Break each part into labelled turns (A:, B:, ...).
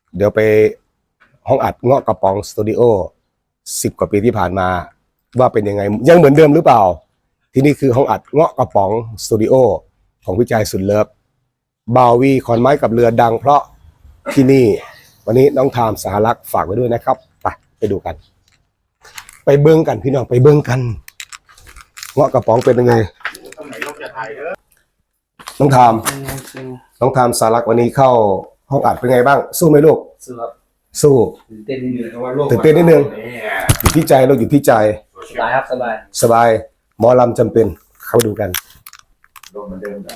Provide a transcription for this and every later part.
A: เดี๋ยวไปห้องอัดเงาะกระป๋องสตูดิโอ10 กว่าปีที่ผ่านมาว่าเป็นยังไงยังเหมือนเดิมหรือเปล่าที่นี่คือห้องอัดเงาะกระป๋องสตูดิโอของพี่ใจสุดเลิฟบาวีขอนไม้กับเรือดังเพราะที่นี่วันนี้น้องทามสหรักษ์ฝากไว้ด้วยนะครับไปดูกันไปเบิ้งกันพี่น้องไปเบิ้งกันเงาะกระป๋องเป็นยังไงน้องทามสหรักษ์วันนี้เข้าห้องอัดเป็นไงบ้างสู้ไหมลูกสู้
B: ตื่นเต้นนิดนึง
A: อยู่ที่ใจเราอยู่ที่ใจ
B: สบายครับ
A: สบายหมอลำจำเป็นเข้าดูกัน
C: โดนเหมือนเดิมแบบ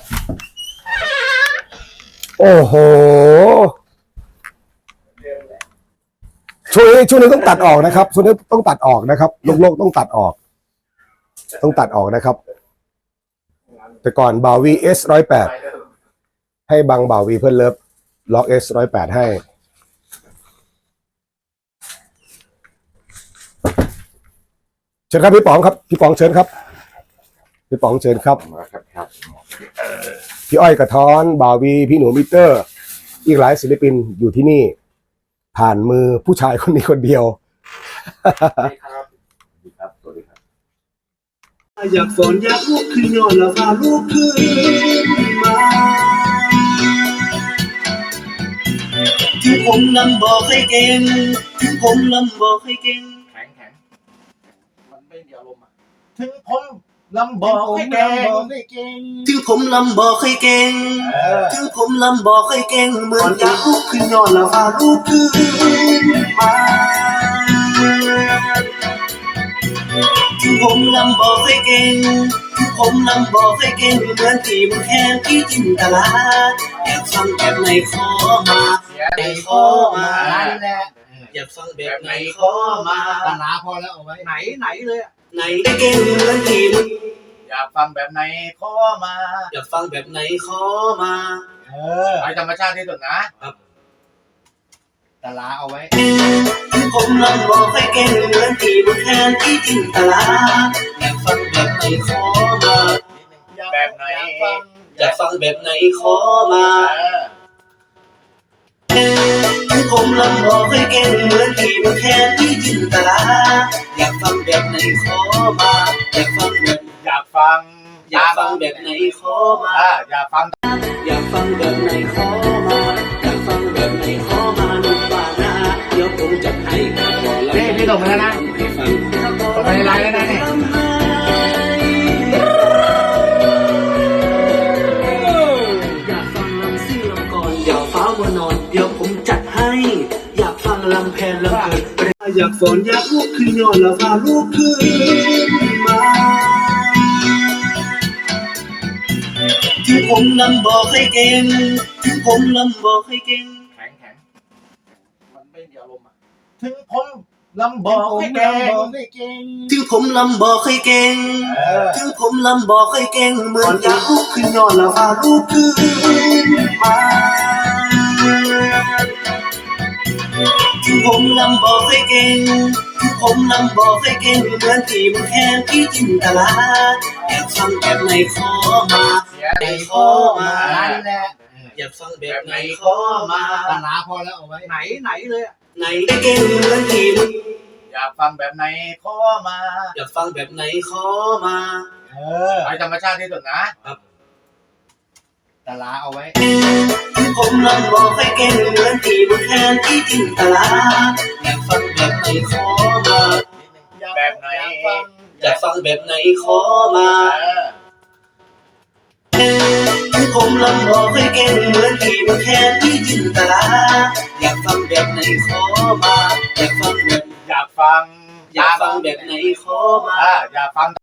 A: โอ้โหช่วงนี้ต้องตัดออกนะครับช่วงนี้ต้องตัดออกนะครับโลกต้องตัดออกนะครับแต่ก่อนบาวี S108 ให้บังบาวีเพื่อนเลิฟล็อก S108 ให้เชิญครับพี่ป๋องครับพี่ป๋องเชิญครับพี่ป๋องเชิญครับพี่อ้อยกระท้อนบาวีพี่หนูมิเตอร์อีกหลายศิลปินอยู่ที่นี่ผ่านมือผู้ชายคนนี้คนเดียว
D: อยากฝนอยากลุกขึ้นย้อนแล้วพาลูกขึ้นมาถึงผมลำบอกให้เก่งถึงผมลำบอกให้เก่ง
C: แข็งมันไม่มีอารมณ์อ่ะถึงผมลำบอกให้เก่ง
D: ถึงผมลำบอกให้เก่งถึงผมลำบอกให้เก่งเหมือนอยากลุกขึ้นย้อนแล้วพาลูกขึ้นมาถึงผมลำบอกให้เก่งถึงผมลำบอกให้เก่งเหมือนที่มันแค่ที่จินตลาอยากฟังแบบไหนขอมาไหนขอมาอยากฟังแบบไหนขอมา
C: ตลาพอแล้วเอาไว้ไหนเลย
D: ไหนเก่งเหมือนที่มัน
C: อยากฟังแบบไหนขอมา
D: อยากฟังแบบไหนขอมา
C: ไอธรรมชาติที่สุดนะครับตลาเอาไว้
D: ผมลำบอกให้เก่งเหมือนที่มันแทนที่จินตลาอยากฟังแบบไหนขอมา
C: แบบไหน
D: อยากฟังแบบไหนขอมาผมลำบอกให้เก่งเหมือนที่มันแทนที่จินตลาอยากฟังแบบไหนขอมาอยากฟังแบบ
C: อยากฟัง
D: แบบไหนขอมา
C: อยากฟัง
D: แบบไหนขอมาอยากฟังแบบไหนขอมาหนุ่มบ้านนาเดี๋ยวผมจัดให้ก่อนแล้ว
C: พี่ส่งไปแล้วนะส่งไปในไลน์แล้วนะเนี่ย
D: อยากฟังลำซิ่งลำก่อนเดี๋ยวฟ้าวันนอนเดี๋ยวผมจัดให้อยากฟังลำแพนลำเกิดอยากฝนอยากลุกขึ้นย้อนแล้วพาลูกขึ้นมาถึงผมลำบอกให้เก่งถึงผมลำบอกให้เก่ง
C: แข็งมันไม่มีอารมณ์อ่ะถึงผมลำบอกให้เก่ง
D: ถึงผมลำบอกให้เก่งถึงผมลำบอกให้เก่งเหมือนอยากลุกขึ้นย้อนแล้วพาลูกขึ้นมาถึงผมลำบอกให้เก่งถึงผมลำบอกให้เก่งเหมือนที่มันแค่ที่จินตลาอยากฟังแบบไหนขอมาไหนขอมาอยากฟังแบบไหนขอมา
C: ตลาพอแล้วเอาไว้ไหนเลย
D: ไหนเก่งเหมือนที่มัน
C: อยากฟังแบบไหนขอมา
D: อยากฟังแบบไหนขอมา
C: ไอธรรมชาติที่สุดนะครับตลาเอาไว้
D: ผมลำบอกให้เก่งเหมือนที่มันแทนที่จินตลาอยากฟังแบบไหนขอมา
C: แบบไหน
D: อยากฟังแบบไหนขอมาผมลำบอกให้เก่งเหมือนที่มันแทนที่จินตลาอยากฟังแบบไหนขอมาอยากฟังแบบไหนขอมา
C: อยากฟัง